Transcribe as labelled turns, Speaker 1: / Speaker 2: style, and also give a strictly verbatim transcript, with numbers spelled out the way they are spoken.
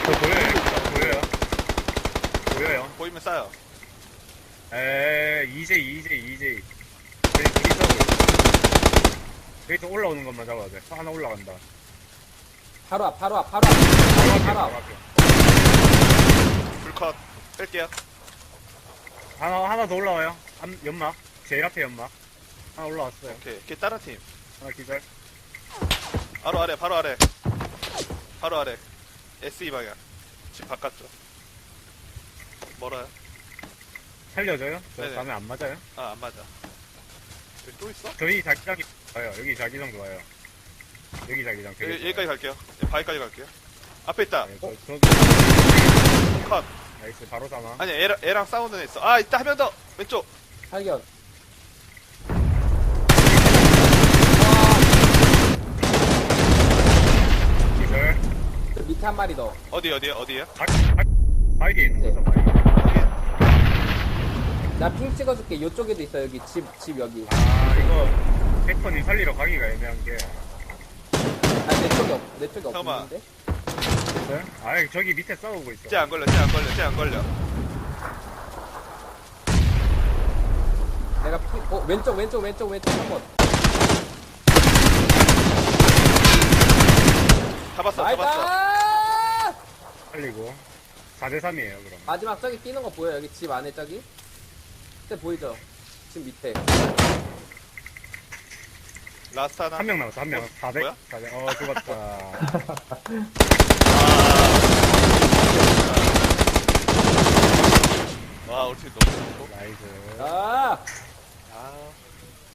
Speaker 1: 저 보여요. 저 보여요. 보여요.
Speaker 2: 보이면 쏴요.
Speaker 1: 에 이제이 이제이 이제이. 저희 둘이 싸우고. 여기서 올라오는 것만 잡아야 돼. 하나 올라간다.
Speaker 3: 바로 앞, 바로 앞, 바로 앞.
Speaker 1: 바로 앞에,
Speaker 3: 바로
Speaker 1: 바로
Speaker 3: 앞.
Speaker 1: 앞에.
Speaker 2: 불컷 뺄게요.
Speaker 1: 하나 하나 더 올라와요. 암, 연막. 제일 앞에 연막. 하나 올라왔어요.
Speaker 2: 오케이. 걔 다른 팀.
Speaker 1: 하나 기절.
Speaker 2: 바로 아래, 바로 아래. 바로 아래. 에스이 방향. 집 바깥쪽. 멀어요?
Speaker 1: 살려줘요? 저
Speaker 2: 네네.
Speaker 1: 다음에 안 맞아요?
Speaker 2: 아, 안 맞아. 여기 또 있어?
Speaker 1: 저희 자기장이 좋아요. 여기 자기장 좋아요. 여기 자기장 되게
Speaker 2: 여기,
Speaker 1: 좋아요.
Speaker 2: 여기까지 갈게요. 네, 바위까지 갈게요. 앞에 있다.
Speaker 1: 네, 저,
Speaker 2: 어?
Speaker 1: 저,
Speaker 2: 컷.
Speaker 1: 나이스, 바로 사망.
Speaker 2: 아니, 애랑, 애랑 싸우는 애 있어. 아, 있다. 한 명 더. 왼쪽.
Speaker 3: 발견.
Speaker 1: 기절.
Speaker 3: 저 밑에 한 마리 더.
Speaker 2: 어디, 어디, 어디에요?
Speaker 1: 바, 바, 바이게 있는
Speaker 3: 네.
Speaker 1: 거죠, 바이게.
Speaker 3: 나 핑 찍어줄게. 요쪽에도 있어. 여기 집, 집 여기.
Speaker 1: 아, 이거, 백퍼님 살리러 가기가 애매한 게.
Speaker 3: 아, 내 쪽에 없, 내 쪽에
Speaker 2: 잠깐만.
Speaker 3: 없는데?
Speaker 1: 있어요? 아, 저기 밑에 싸우고 있어.
Speaker 2: 쟤 안 걸려, 쟤 안 걸려, 쟤 안 걸려.
Speaker 3: 내가 핑, 어, 왼쪽, 왼쪽, 왼쪽, 왼쪽 한 번.
Speaker 2: 잡았어,
Speaker 3: 나이스!
Speaker 2: 잡았어.
Speaker 1: 살리고. 사 대 삼이에요, 그럼.
Speaker 3: 마지막 저기 뛰는 거 보여? 여기 집 안에 저기? 그때 보이죠? 집 밑에.
Speaker 2: 라스트 하나.
Speaker 1: 한 명 남았어, 한 명.
Speaker 2: 어,
Speaker 1: 사백?
Speaker 2: 뭐야?
Speaker 1: 사백. 어, 죽었다.
Speaker 2: 와, 우리 팀 너무 좋고.
Speaker 1: 나이스.
Speaker 3: 아!
Speaker 2: 아.